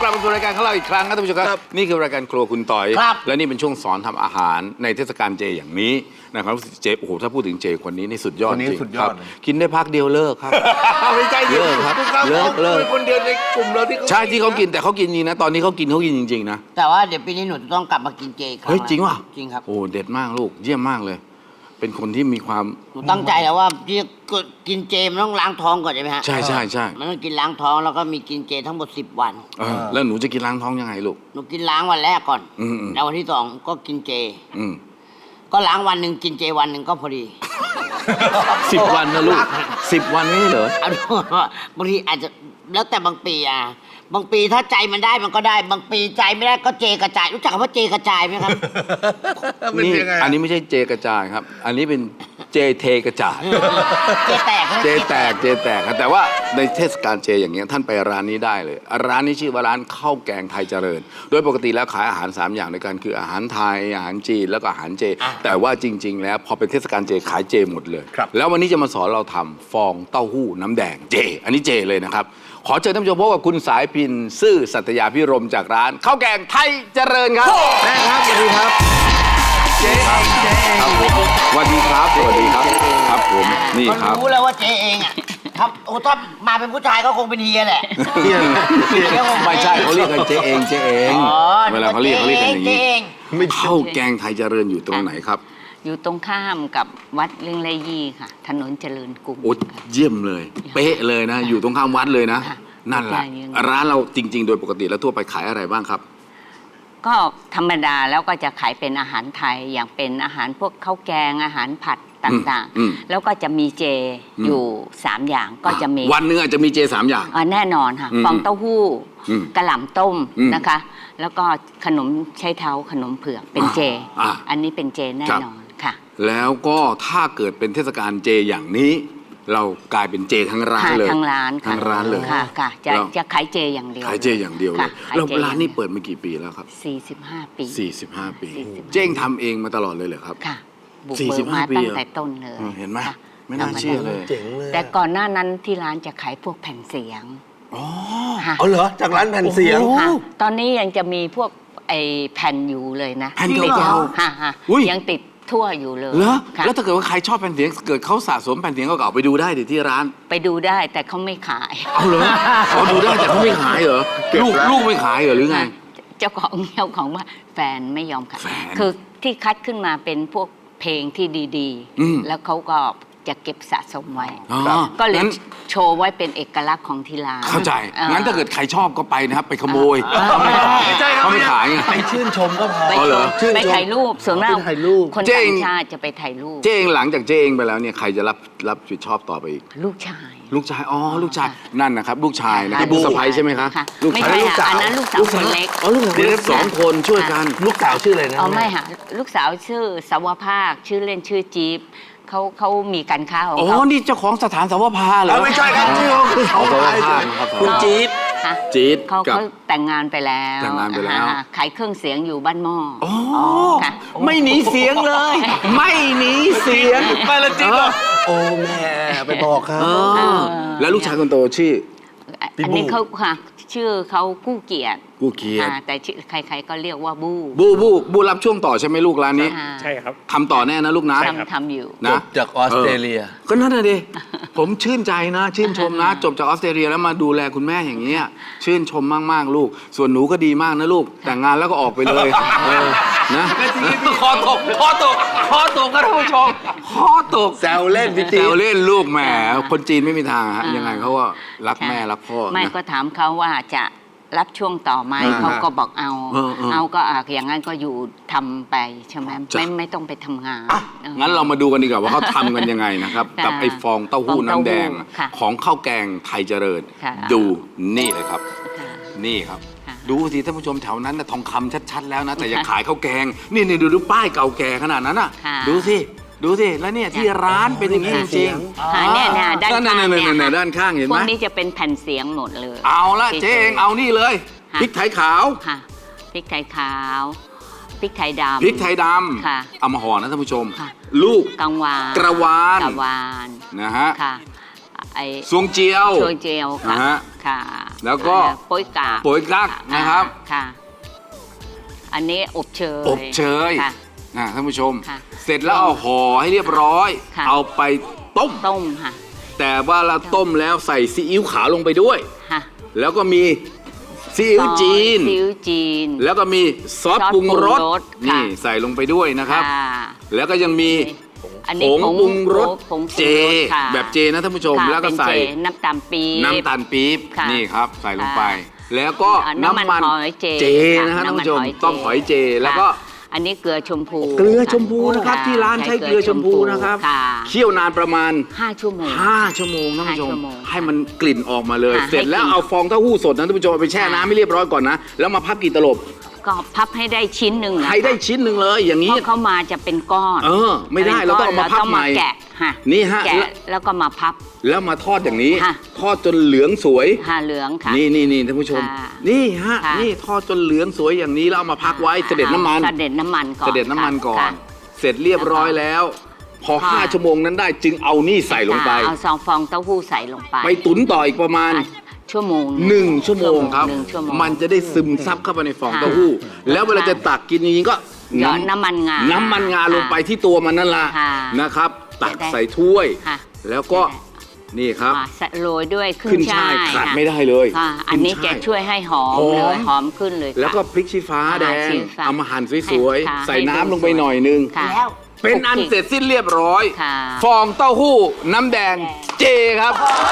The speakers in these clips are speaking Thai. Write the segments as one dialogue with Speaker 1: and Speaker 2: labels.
Speaker 1: ลับมาสู่รายการของเราอีกครั้งนะท่านผู้ชมครับนี่คือรายการครัวคุณต่อยและนี่เป็นช่วงสอนทำอาหารในเทศกาลเจอย่างนี้นะครับเจโอ้โหถ้าพูดถึงเจคนนี้นี่สุดยอดจริงครับกินได้พักเดียวเลิกครับ
Speaker 2: ไม่ใช่เลิก
Speaker 1: ครับ
Speaker 2: เลิกคนเดียวในกลุ่มเราที่
Speaker 1: ใช่ที่เขากินแต่เขากินจริงนะตอนนี้เขากินจริงๆนะ
Speaker 3: แต่ว่าเดี๋ยวปีนี้หนูจะต้องกลับมากินเจอีกครั้ง
Speaker 1: เฮ้ยจริงวะ
Speaker 3: จริงครับ
Speaker 1: โอ้เด็ดมากลูกเยี่ยมมากเลยเป็นคนที่มีความ
Speaker 3: หนูตั้งใจแล้วว่าที่กินเจมันต้องล้างท้องก่อนใช่ไหมฮะ
Speaker 1: ใช่ใช่ใช่
Speaker 3: มันต้องกินล้างท้องแล้วก็มีกินเจทั้งหมด10 วัน
Speaker 1: แล้วหนูจะกินล้างท้องยังไงลูก
Speaker 3: หนูกินล้างวันแรกก่อนแล้ววันที่2ก็กินเจก็ล้างวันหนึ่งกินเจวันหนึ่งก็พอดี
Speaker 1: 10 วันนะลูก10 วันไม่เหร
Speaker 3: อบางทีอาจจะแล้วแต่บางปีบางปีถ้าใจมันได้มันก็ได้บางปีใจไม่ได้ก็เจกระจายรู้จักคำว่าเจกระจายไหมครับ
Speaker 1: นี่อันนี้ไม่ใช่เจกระจายครับอันนี้เป็นเจเทกระจาย
Speaker 3: เจแตก
Speaker 1: เจแตกครับแต่ว่าในเทศกาลเจอย่างเงี้ยท่านไปร้านนี้ได้เลยร้านนี้ชื่อว่าร้านข้าวแกงไทยเจริญโดยปกติแล้วขายอาหาร3อย่างด้วยกันคืออาหารไทยอาหารจีนแล้วก็อาหารเจแต่ว่าจริงๆแล้วพอเป็นเทศกาลเจขายเจหมดเลยแล้ววันนี้จะมาสอนเราทำฟองเต้าหู้น้ำแดงเจอันนี้เจเลยนะครับขอเชิญท่านผู้ชมพบกับคุณสายพินซื่อสัตยาพิรมจากร้านข้าวแกงไทยเจริญครับแม่ครับสวัสดีครับเจ๊ครับสวัสดีครับสวัสดีครับครับผมนี่ครับ
Speaker 3: รู้แล้วว่าเจ๊เองครับโอ้ถ้ามาเป็นผู้ชายก็คงเป็นเฮียแหละ
Speaker 1: ไม่ใช่เขาเรียกกันเจ๊เองเวลาเขาเรียกกันอย่างนี้ข้าวแกงไทยเจริญอยู่ตรงไหนครับ
Speaker 4: อยู่ตรงข้ามกับวัดเรื่องไรยี่ค่ะถนนเจริญกรุง
Speaker 1: โอ้เยี่ยมเลยเป๊ะเลยนะอยู่ตรงข้ามวัดเลยนะนั่นแหละร้านเราจริงๆโดยปกติแล้วทั่วไปขายอะไรบ้างครับ
Speaker 4: ก็ธรรมดาแล้วก็จะขายเป็นอาหารไทยอย่างเป็นอาหารพวกข้าวแกงอาหารผัดต่างๆแล้วก็จะมีเจอยู่3อย่างก็จะมี
Speaker 1: วันนึงอาจจะมีเจ3อย่าง
Speaker 4: แน่นอนค่ะฟองเต้าหู้กระหล่ำต้มนะคะแล้วก็ขนมใช้เท้าขนมเผือกเป็นเจอันนี้เป็นเจแน่นอนค่ะ
Speaker 1: แล้วก็ถ้าเกิดเป็นเทศกาลเจอย่างนี้เรากลายเป็นเจทั้งร้านเลย
Speaker 4: ทั้งร้านเลยค่ะจะขายเจอย่างเดียว
Speaker 1: ขายเจอย่างเดียวเลยแล้วร้านนี้เปิดมากี่ปีแล้วครับ
Speaker 4: 45 ปี
Speaker 1: 45 ปีเจ๊งทำเองมาตลอดเลยเหรอครับ
Speaker 4: ค่ะบุกเบิกมาตั้งแต่ต้นเลย
Speaker 1: เห็นไหมไม่น่าเชื่อเลย
Speaker 4: แต่ก่อนหน้านั้นที่ร้านจะขายพวกแผ่นเสียง
Speaker 2: อ๋อเหรอจากร้านแผ่นเสียง
Speaker 4: ตอนนี้ยังจะมีพวกไอ้แผ่นอยู่เลยนะ
Speaker 1: แผ่นเก่า
Speaker 4: ๆยังติดทั่วอยู่เลย
Speaker 1: แล้วถ้าเกิดว่าใครชอบแผ่นเสียงเกิดเขาสะสมแผ่นเสียงเก่าๆไปดูได้ที่ร้าน
Speaker 4: ไปดูได้แต่เขาไม่ขาย
Speaker 1: เอาเหรอเขาดูได้แต่เขาไม่ขายเหรอลูกไม่ขายเหรอหรือไง
Speaker 4: เจ้าของว่าแฟนไม่ยอมขายคือที่คัดขึ้นมาเป็นพวกเพลงที่ดีๆแล้วเขาก็จะเก็บสะสมไว้ก็เลยโชว์ไว้เป็นเอกลักษณ์ของที่ร้าน
Speaker 1: เข้าใจงั้นถ้าเกิดใครชอบก็ไปนะครับไปขโมยเขาไม่ขาย
Speaker 2: ไปชื่นชมก็พอ
Speaker 4: ไปถ่ายรูปส่วนมากคนต่างชาติจะไปถ่ายรูป
Speaker 1: เจ๊เองหลังจากเจ๊เองไปแล้วเนี่ยใครจะรับผิดชอบต่อไปอีก
Speaker 4: ลูกชาย
Speaker 1: ลูกชายนั่นนะครับลูกชายนะครับลูกสะใภ้ใช่ไหมคะ
Speaker 4: ไม่ใช่อันนั้นลูกสาวคนเล็ก
Speaker 1: ลูกสาวเล็ก2 คนช่วยกัน
Speaker 2: ลูกสาวชื่ออะไรนะ
Speaker 4: ไม่ค่ะลูกสาวชื่อสาวภาคชื่อเล่นชื่อจี๊บเขามีการค้าของ
Speaker 1: เขานี่เจ้าของสถานสาวภาเหรอ
Speaker 2: ไม่ใช่ครับชื่อเขาสาวภาคุณจี๊ด
Speaker 4: เขาแต่งงานไปแล้วขายเครื่องเสียงอยู่บ้านหม้อ
Speaker 1: ไม่หนีเสียงเลยไม่หนีเสียง
Speaker 2: ไปละจิ๊บโอ้แม่ไปบอกครับ
Speaker 1: แล้วลูกชายคนโตชื่อ
Speaker 4: อันนี้เขาค่ะชื่อเขากู้เกียรติแต่ใครๆก็เรียกว่าบู
Speaker 1: รับช่วงต่อใช่ไหมลูกร้านนี้
Speaker 2: ใช่ครับ
Speaker 1: ทำต่อแน่นะลูกนะ
Speaker 4: ทำอยู่
Speaker 1: นะ
Speaker 2: จากออสเตรเลีย
Speaker 1: ก็นั่นเลยดิผมชื่นใจนะชื่นชมนะจบจากออสเตรเลียแล้วมาดูแลคุณแม่อย่างเงี้ยชื่นชมมากๆลูกส่วนหนูก็ดีมากนะลูกแต่งงานแล้วก็ออกไปเลยนะคอตกกันท่านผู้ชมคอตก
Speaker 2: แซวเล่น
Speaker 1: แซวเล่นลูกแหมคนจีนไม่มีทางฮะยังไงเขาว่ารักแม่รักพ่อ
Speaker 4: ไม่ก็ถามเขาว่าจะรับช่วงต่อไหมเขาก็บอกเอาก็อย่างนั้นก็อยู่ทำไปใช่ไหมไม่ต้องไปทำงาน
Speaker 1: งั้นเรามาดูกันดีกว่าว่าเขาทำกันยังไงนะครับกับไอ้ฟองเต้าหู้น้ำแดงของข้าวแกงไทยเจริญดูนี่เลยครับนี่ครับดูสิท่านผู้ชมแถวนั้นนะทองคำชัดๆแล้วนะแต่อย่าขายข้าวแกงนี่ดูป้ายเก่าแก่ขนาดนั้นน่ะดูสิแล้วเนี่ยที่ร้านเป็นอย่างนี้จริง
Speaker 4: ๆเนี่ยด้านข้าง
Speaker 1: เนี่ยด้านข้างเห็นไหม
Speaker 4: พวกนี้จะเป็นแผ่นเสียงหมดเลย
Speaker 1: เอาละเจ๊เองเอานี่เลยพริกไทยขาว
Speaker 4: พริกไทยขาวพริกไทยดำเอามาห่อนะท่านผู้ชม
Speaker 1: ลูกกระวาน
Speaker 4: นะ
Speaker 1: ฮะซวงเจียว
Speaker 4: ค่ะ
Speaker 1: แล้วก็
Speaker 4: โป๊ยกาก
Speaker 1: โป๊ยกั๊กนะครับ
Speaker 4: ค่ะ อันนี้อบเชย
Speaker 1: อบเชย
Speaker 4: ค่ะ
Speaker 1: ท่านผู้ชม
Speaker 4: ค่ะ
Speaker 1: เสร็จแล้วเอาห่อให้เรียบร้อย
Speaker 4: ค่ะ
Speaker 1: เอาไปต้ม
Speaker 4: ต้มค่ะ
Speaker 1: แต่ว่าเราต้มแล้วใส่ซีอิ๊วขาวลงไปด้วย
Speaker 4: ค่ะ
Speaker 1: แล้วก็มีซีอิ๊วจีน
Speaker 4: ซีอิ๊วจีน
Speaker 1: แล้วก็มีซอสปรุงรส
Speaker 4: ซอสปรุงรส
Speaker 1: นี่
Speaker 4: ค่ะ
Speaker 1: ใส่ลงไปด้วยนะครับ
Speaker 4: ค่ะ
Speaker 1: แล้วก็ยังมี
Speaker 4: อัน
Speaker 1: ผ
Speaker 4: นี้
Speaker 1: งปรุงรส
Speaker 4: ผงปรุงรส
Speaker 1: เจ
Speaker 4: ค่ะ
Speaker 1: แบบเจนะท่านผู้ชม
Speaker 4: ค่ะ
Speaker 1: แล้วก็ใส่
Speaker 4: เป็นเจน้ำตาลปี๊บ
Speaker 1: น้ำตาลปี๊บ
Speaker 4: ค่ะ
Speaker 1: นี่ครับ ใส่ลงไป
Speaker 4: ค่ะ
Speaker 1: แล้วก็
Speaker 4: น้ำมันหอยเจ
Speaker 1: นะฮะ
Speaker 4: ค่ะ
Speaker 1: ท่านผู้ชม
Speaker 4: น้ำมันหอยเจ
Speaker 1: ต้องหอยเจแล้วก็
Speaker 4: ค่ะอันนี้เกลือชมพู
Speaker 1: เกลือชมพู
Speaker 4: ค่ะ
Speaker 1: นะครับที่ร้านใช้เกลือชมพูนะครับ
Speaker 4: ค่ะ
Speaker 1: เคี่ยวนานประมาณ
Speaker 4: 5 ชั่วโมง
Speaker 1: 5 ชั่วโมงท่านผู้ชม
Speaker 4: 5 ชั่วโมง
Speaker 1: ให้มันกลิ่นออกมาเลย
Speaker 4: ค่ะ
Speaker 1: เสร็จแล้ว
Speaker 4: ให้กลิ่น
Speaker 1: เอาฟองเต้าหู้สดนะท่านผู้ชมเอาไปแช่
Speaker 4: ค่ะ
Speaker 1: น้ำให้เรียบร้อยก่อนนะ แล้วมาพับกี่ตลบ
Speaker 4: ก็พับให้ได้ชิ้นหนึ่งนะคะ
Speaker 1: ให้ได้ชิ้นหนึ่งเลยอย่าง
Speaker 4: เพ
Speaker 1: นี้
Speaker 4: ราะเขามาจะเป็นก้อน
Speaker 1: ไม่ได้เราต้องเอามาพับใหม่
Speaker 4: แกะค่ะ
Speaker 1: นี่ฮะ
Speaker 4: แกะแล้วก็มาพับ
Speaker 1: แล้วมาทอดอย่างนี้
Speaker 4: ค่ะ
Speaker 1: ทอดจนเหลืองสวย
Speaker 4: ค่ะเหลืองค่ะ
Speaker 1: นี่ท่านผู้ชม
Speaker 4: ค่ะ
Speaker 1: นี่ฮะ
Speaker 4: ค่ะ
Speaker 1: นี่ทอดจนเหลืองสวยอย่างนี้แล้วเอามาพักไว้เสด็จน้ำมัน
Speaker 4: เสด็จน้ำมันก่อน
Speaker 1: เสด็จน้ำมันก่อน
Speaker 4: ค่ะ
Speaker 1: เสร็จเรียบร้อยแล้ว พอ
Speaker 4: ค่ะ
Speaker 1: 5 ชั่วโมงนั้นได้จึงเอานี่ใส่ลงไป
Speaker 4: เอาซองฟองเต้าหู้ใส่ลงไป
Speaker 1: ไปตุ๋นต่ออีกประมาณ
Speaker 4: อ่ะชั่วโมง
Speaker 1: 1 ชั่วโมงครับ
Speaker 4: 1 ชั่วโมง
Speaker 1: มันจะได้ซึมซับเข้าไปในฟอง
Speaker 4: ค่ะ
Speaker 1: เต้าหู้ แล้วเวลา
Speaker 4: ค่ะ
Speaker 1: จะตักกินจริงๆก็
Speaker 4: หยอดน้ำมันงา
Speaker 1: น้ำมันงา
Speaker 4: ค่ะ
Speaker 1: ลงไปที่ตัวมันนั่นละ
Speaker 4: ค่ะ
Speaker 1: นะครับ ตัก
Speaker 4: จะได้
Speaker 1: ใส่ถ้วย
Speaker 4: ค่ะ
Speaker 1: แล้วก็นี่ครับ
Speaker 4: โรยด้วย
Speaker 1: ขึ้
Speaker 4: ขึ้
Speaker 1: น
Speaker 4: น
Speaker 1: ช่า
Speaker 4: ช่าย ย
Speaker 1: ขาด
Speaker 4: ค่ะ
Speaker 1: ไม่ได้เลย
Speaker 4: ค่ะอันนี้
Speaker 1: ขึ้
Speaker 4: จะ
Speaker 1: ช่าย
Speaker 4: ช่วยให้หอม
Speaker 1: หอม
Speaker 4: เลยหอมขึ้นเลยค่ะ
Speaker 1: แล้วก็พริกชี้ฟ้าแดง
Speaker 4: ชี้ฟ้า
Speaker 1: เอามาหั่นสวย
Speaker 4: ค่ะ
Speaker 1: ๆ ใส่
Speaker 4: ให้
Speaker 1: น้ำ
Speaker 4: ดู
Speaker 1: ลงไป
Speaker 4: สวย
Speaker 1: หน่อยนึง
Speaker 4: ค่ะ
Speaker 3: แล้ว
Speaker 1: เป็นอันเสร็จสิ้นเรียบร้อย
Speaker 4: ค่ะ
Speaker 1: ฟองเต้าหู้น้ำแดงเจครับ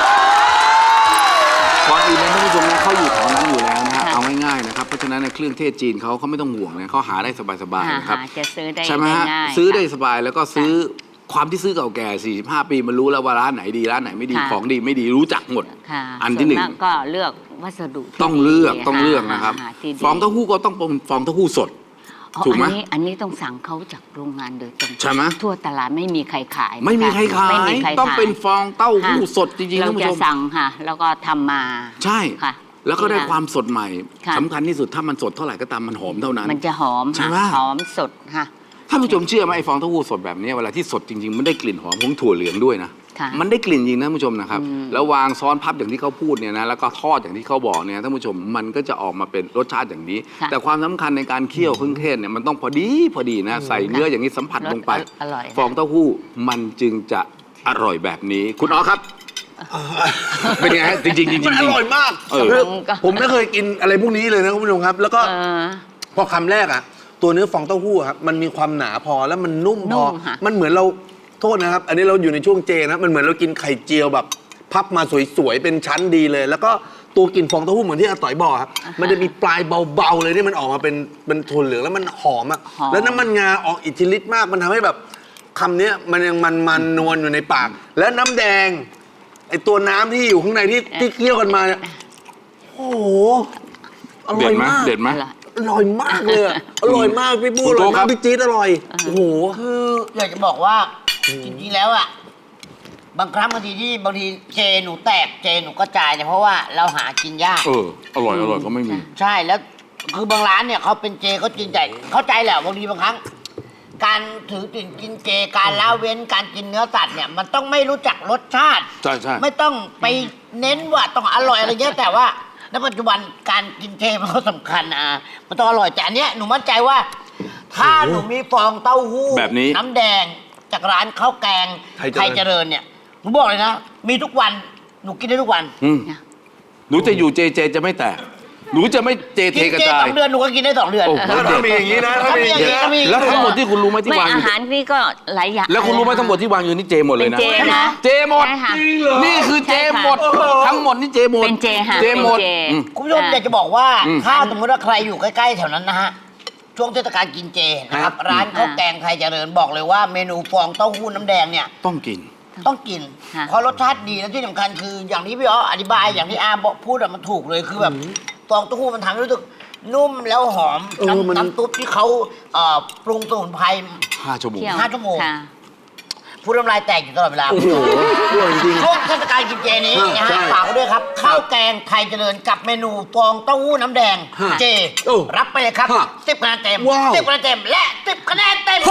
Speaker 1: ก่อนอื่นนะท่านผู้ชมนะเขาอยู่แถวนั้นอยู่แล้วนะฮะ
Speaker 4: ค่ะ
Speaker 1: เอาง่ายๆนะครับเพราะฉะนั้นในเครื่องเทศจีนเขาไม่ต้องห่วงนะเขาหาได้สบายๆนะครับ
Speaker 4: จะซื้อได้
Speaker 1: ใช่ไหมฮะ
Speaker 4: ง่ายๆ
Speaker 1: ซื้อได้
Speaker 4: ค่ะ
Speaker 1: สบายแล้วก็ซื้อความที่ซื้อเก่าแก่ 45 ปีมันรู้แล้วว่าร้านไหนดีร้านไหนไม่ดี
Speaker 4: ค่ะ
Speaker 1: ของดีไม่ดีรู้จักหมด
Speaker 4: ค่ะ
Speaker 1: อันที่หนึ่ง
Speaker 4: ส่วมากก็เลือกวัสดุที่
Speaker 1: ต้องเลือก
Speaker 4: ดี
Speaker 1: ต้องเลือกนะครับ
Speaker 4: ที่ดี
Speaker 1: ฟองเต้าหู้ก็ต้องเป็นฟองเต้าหู้สด
Speaker 4: อ๋อ
Speaker 1: ถูกไหม
Speaker 4: อันนี้ต้องสั่งเขาจากโรงงานโดยตรง
Speaker 1: ใช่ไหม
Speaker 4: ทั่วตลาดไม่มีใครขายนะคะ
Speaker 1: ไม่มีใครขาย
Speaker 4: ไม่มีใคร
Speaker 1: ต้อง
Speaker 4: ขาย
Speaker 1: เป็นฟองเต้าหู้
Speaker 4: ค่ะ
Speaker 1: สดจริงๆ
Speaker 4: เรา
Speaker 1: ท่านผู้
Speaker 4: จะ
Speaker 1: ชม
Speaker 4: สั่งค่ะ แล้วก็ทำมา
Speaker 1: ใช่
Speaker 4: ค่ะ
Speaker 1: แล้วก็ได้
Speaker 4: ค่ะ
Speaker 1: ความสดใหม่
Speaker 4: ค่ะ
Speaker 1: สำคัญที่สุดถ้ามันสดเท่าไหร่ก็ตามมันหอมเท่านั้น
Speaker 4: มันจะหอม
Speaker 1: ใช่ไหม
Speaker 4: ค่ะหอมสดค่ะ
Speaker 1: ท่านผู้ชมเชื่อไหมไอ้ฟองเต้าหู้สดแบบนี้เวลาที่สดจริงๆมันได้กลิ่นหอมของถั่วเหลืองด้วยนะ
Speaker 4: ค่ะ
Speaker 1: มันได้กลิ่นจริงนะท่านผู้ชมนะครับ
Speaker 4: อืม
Speaker 1: แล้ววางซ้อนพับอย่างที่เขาพูดเนี่ยนะแล้วก็ทอดอย่างที่เขาบอกเนี่ยท่านผู้ชมมันก็จะออกมาเป็นรสชาติอย่างนี้
Speaker 4: ค่ะ
Speaker 1: แต่ความสำคัญในการเคี่ยวเครื่องเทศเนี่ยมันต้องพอดีนะใส่เนื้ออย่างนี้สัมผัสลงไป
Speaker 4: รสอร่อย
Speaker 1: ฟองเต้าหู้มันจึงจะอร่อยแบบนี้ คุณอ๋อครับ เป็นไงฮะจริงๆจริงๆ
Speaker 2: มันอร่อยมาก
Speaker 1: เออ
Speaker 2: คือผมไม่เคยกินอะไรพวกนี้เลยนะคุณผู้ชมครับ แล้วก็
Speaker 4: เออ
Speaker 2: พอคำแรกอ่ะ ตัวเนื้อฟองเต้าหู้อะครับมันมีความหนาพอแล้วมันนุ่มพ
Speaker 4: นุ่
Speaker 2: อ
Speaker 4: มค่ะ
Speaker 2: มันเหมือนเราโทษนะครับ อันนี้เราอยู่ในช่วงเจนะมันเหมือนเรากินไข่เจียวแบบ พับมาสวยๆเป็นชั้นดีเลย แล้วก็ตัวกลิ่นฟองเต้าหู้เหมือนที่อาต่อยบอกครับมันจะมีปลายเบาๆเลยที่มันออกมาเป็นโทนเหลืองแล้วมันหอมอ่ะ
Speaker 4: หอม
Speaker 2: แล้วน้ำมันงาออกอิทธิฤทธิ์มากมันทำให้แบบคำเนี้ยมันยังมันนวลอยู่ในปาก แล้วน้ำแดงไอตัวน้ำที่อยู่ข้างในที่เคี่ยวกันมาเนี่ยโอ้โหอร่
Speaker 1: เด็
Speaker 2: อ
Speaker 1: ด
Speaker 2: ย
Speaker 1: ไหม
Speaker 2: มาก
Speaker 1: เด็ดไหม
Speaker 2: อร่อยมากเลยอะอร่อยมากพี่บู้
Speaker 1: คุ
Speaker 2: อ
Speaker 1: ณโต
Speaker 2: ร่อย
Speaker 1: ครั
Speaker 2: มาก
Speaker 1: บ
Speaker 2: พี่จี๊ดอร่อยโอ้โห
Speaker 3: คืออยากจะบอกว่าจริงๆแล้วอ่ะบางครั้งบางทีเจหนูแตกเจหนูกระจายเนี่ยเพราะว่าเราหากินยาก
Speaker 1: อร่อยก็ไม่มี
Speaker 3: ใช่แล้วคือบางร้านเนี่ยเขาเป็นเจเขาจริงใจเข้าใจแหละบางทีบางครั้ง การถือติ่นกินเจการละเว้นการกินเนื้อสัตว์เนี่ยมันต้องไม่รู้จักรสชาติ
Speaker 1: ใช่ใช่
Speaker 3: ไม่ต้องไปเน้นว่าต้องอร่อยอะไรเงี้ยแต่ว่าในปัจจุบันการกินเจมันก็สำคัญมันต้องอร่อยแต่อันเนี้ยหนูมั่นใจว่า ถ้าหนูมีฟองเต้าหู้
Speaker 1: แบบนี้
Speaker 3: น้ำแดงจากร้านข้าวแกง
Speaker 2: ไทยเจริญ
Speaker 3: เจริญเนี่ยหนูบอกเลยนะ มีทุกวันหนูกินได้ทุกวัน
Speaker 1: หนูจะอยู่เจจะไม่แตก หนูจะไม่เจเท
Speaker 3: กิน
Speaker 1: กระ
Speaker 3: เจ
Speaker 1: จา
Speaker 3: ส
Speaker 1: ย
Speaker 3: องเดือนหนูก็กินได้2 เดือน
Speaker 1: โอ้โห
Speaker 2: ถ้ามีอย่างนี้นะถ้ามีอย่างนี้นะ
Speaker 3: ถ้ามี
Speaker 1: แล้วทั้งหมดที่คุณรู้ไหมที่
Speaker 4: ไม่
Speaker 1: วางอ
Speaker 4: อา
Speaker 1: ยู่
Speaker 4: หารนี่ก็หลายอย่าง
Speaker 1: แล้วคุณรู้ไหมทั้งหมดที่วางอยู่นี่เจหมดเลยนะ
Speaker 4: เป็นเจนะ
Speaker 1: เจหมด
Speaker 4: ใช่ค่ะ
Speaker 1: นี่คือเจหมด
Speaker 4: ใช่ค่ะ
Speaker 1: ทั้งหมดนี่เจหมด
Speaker 4: เป็นเจค่ะ
Speaker 1: เจหมด
Speaker 4: เป็นเจ
Speaker 1: อืม
Speaker 3: คุณผู้ชมอยากจะบอกว่า
Speaker 1: อืม
Speaker 3: ถ้าสมมติว่าใครอยู่ใกล้ๆแถวนั้นนะฮะช่วงเทศกาลกินเจนะครับ ร้านข้าวแกงไทยเจริญบอกเลยว่าเมนูฟองเต้าหู้น้ำแดงเนี่ย
Speaker 1: ต้องกิน
Speaker 3: ต้องกิน
Speaker 4: ค่ะ
Speaker 3: เพราะรสชาติดีและที่สำคัญคืออย่างที่พี่อ๋ออธิบายอย่างที่อาบอกพูดอะมันถูกเลยคือแบบฟองเต้าหู้มันทำให้รู้สึกนุ่มแล้วหอม
Speaker 2: มัน
Speaker 3: น้ำซุปที่เขาปรุงสมุนไพร
Speaker 1: 5 ชั่วโมง
Speaker 4: เที่ยว
Speaker 3: 5 ชั่วโมง
Speaker 4: ค่ะ
Speaker 3: พูดน้ำลายแตกอยู่ตลอดเวลา
Speaker 2: โอ้โหอร่อยจริง
Speaker 3: ช่วงเทศกาลกินเจนี้นะ
Speaker 2: ใช่
Speaker 3: ฮะฝากไว้ด้วยครับข้าวแกงไทยเจริญกับเมนูฟองเต้าหู้น้ำแดง
Speaker 2: ฮะ
Speaker 3: เจ
Speaker 2: โอ้
Speaker 3: รับไปเลยครับ
Speaker 2: ฮะ
Speaker 3: 10 คะแนนเต็ม
Speaker 2: ว้าว
Speaker 3: 10 คะแนนเต็มและ10 คะแนนเต็ม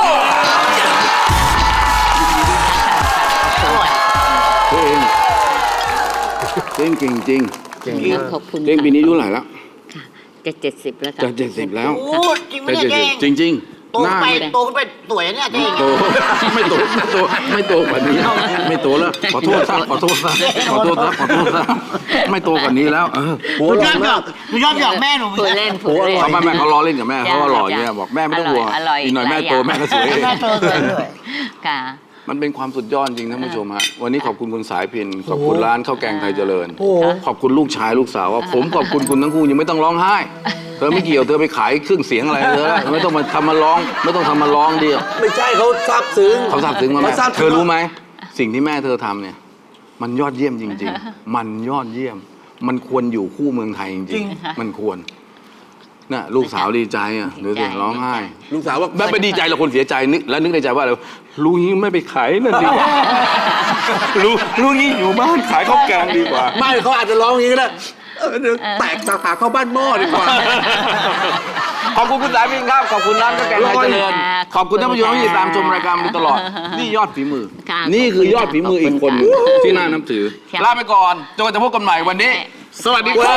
Speaker 3: อร่อย
Speaker 1: เก่งจริงจริง
Speaker 2: เก่ง
Speaker 4: ค่ะ
Speaker 2: มาก
Speaker 4: ขอบคุณ
Speaker 1: เจ๊งปีนี้อายุเท่าไหร่แล้ว
Speaker 4: จะ70 แล้วค่ะ
Speaker 1: จะ70แล้ว
Speaker 3: โอ้จริงไหมเนี่ยเจ๊ง
Speaker 1: จริงจริง
Speaker 3: โต
Speaker 1: หน้า
Speaker 3: ไป
Speaker 1: ไม่
Speaker 3: โตขึ้นไปสวยนะเนี่ยเจ๊ง
Speaker 1: โตไม่โตไม่โตกว่านี้แล้วไม่โตแล้วขอโทษซะขอโทษซะขอโทษซะขอโทษซะไม่โตกว่านี้แล้ว
Speaker 2: โอ้
Speaker 3: หนู
Speaker 2: ห
Speaker 3: ช
Speaker 2: ล่
Speaker 3: อ
Speaker 2: อบ
Speaker 3: หย
Speaker 2: มา
Speaker 3: อก กหนูชอบหยอกแม่หนู
Speaker 4: พูดเล่นพูดเล่น
Speaker 1: เขาแม่เขาล้อเล่นกับแม่เขาก็หล่ออย่างเงี้ยบอกแม่ไม่ต้องห่วง
Speaker 4: อร่อย
Speaker 1: อีกหน่อยแม่
Speaker 4: หลาย
Speaker 1: โต
Speaker 4: อย่าง
Speaker 1: แม่ก็สวยเอง
Speaker 3: แม่โตสวยด้วย
Speaker 4: ค่ะ
Speaker 1: มันเป็นความสุดยอดจริงท่านผู้ชมฮะวันนี้ขอบคุณคุณสายพินขอบคุณร้านข้าวแกงไทยเจริญ ขอบคุณลูกชายลูกสาวว่าผมขอบคุณคุณทั้งคู่ยังไม่ต้องร้องไห้เธอไม่เกี่ยวเธอไปขายเครื่องเสียงอะไรเธอไม่ต้องมาทำมาร้องไม่ต้องทำมาร้องเดียว
Speaker 2: ไม่ใช่เขาซาบซึ้ง
Speaker 1: เขาทราบซึ้งมาแม่
Speaker 2: เขาซาบซึ้ง
Speaker 1: เธอรู้ไหมสิ่งที่แม่เธอทำเนี่ย มันยอดเยี่ยมจริง ๆ มันยอดเยี่ยม มันควรอยู่คู่เมืองไทยจริงๆมันควรน่ะลูกสาวดีใจอ่ะเดี๋ยวสิร้องไห้
Speaker 2: ลูกสาวว่า
Speaker 1: แบบไม่ดีใจเราคนเสียใจนึกแล้วนึกในใจว่าอะไรลูกนี้ไม่ไปขายนั่นดีกว่าลูกนี้อยู่บ้านขายข้าวแกงดีกว่า
Speaker 2: ไม่เขาอาจจะร้องอย่างนี้ก็ได้เดี๋ยวแตกสาขาเข้าบ้านหม้อดีกว่า
Speaker 1: ขอบคุณคุณสายพินครับ ขอบคุณร้านข้าวแกงไทยเจริญ ขอบคุณท่านผู้ชมที่ติดตามชมรายการมาโดยตลอด นี่ยอดฝีมือ
Speaker 4: ค่ะ
Speaker 1: นี่คือยอดฝีมืออีกคนหนึ่ง
Speaker 4: ขอบคุณค่ะ
Speaker 1: ที่น่านับถือ
Speaker 4: ค่ะ
Speaker 1: ลาไปก่อนจนกว่าจะพบกันใหม่วันนี้ สวัสดีครับ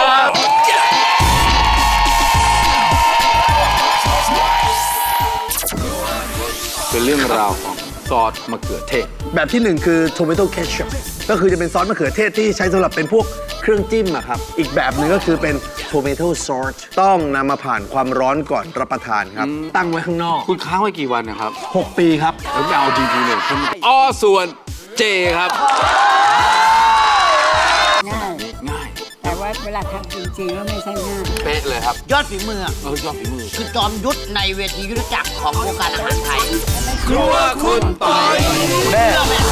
Speaker 1: เป็นเรื่องราวของซอสมะเขือเทศ
Speaker 2: แบบที่หนึ่งคือ tomato ketchup ก็คือจะเป็นซอสมะเขือเทศที่ใช้สำหรับเป็นพวกเครื่องจิ้มอะครับ อีกแบบหนึ่งก็คือเป็น tomato sauce ต้องนำมาผ่านความร้อนก่อนรับประทานครับ ตั้งไว้ข้างนอก
Speaker 1: คุณค้างไว้กี่วันนะครับ
Speaker 2: 6 ปีครับ
Speaker 1: แล้วไม่เอาจริงๆเลยอ้อส่วนเจครับ ง่าย
Speaker 5: แต่ว่าเวลาทำจริงๆแล้วไม่ใช่ง่าย
Speaker 1: เป๊ะเลยครับ
Speaker 3: ยอดฝีมืออะ
Speaker 1: ยอดฝีมือ
Speaker 3: คือจอมยุทธในเวทียุทธจักรของวงการอาหารไทย
Speaker 1: ครัวคุณปอย
Speaker 3: เชื่อไหม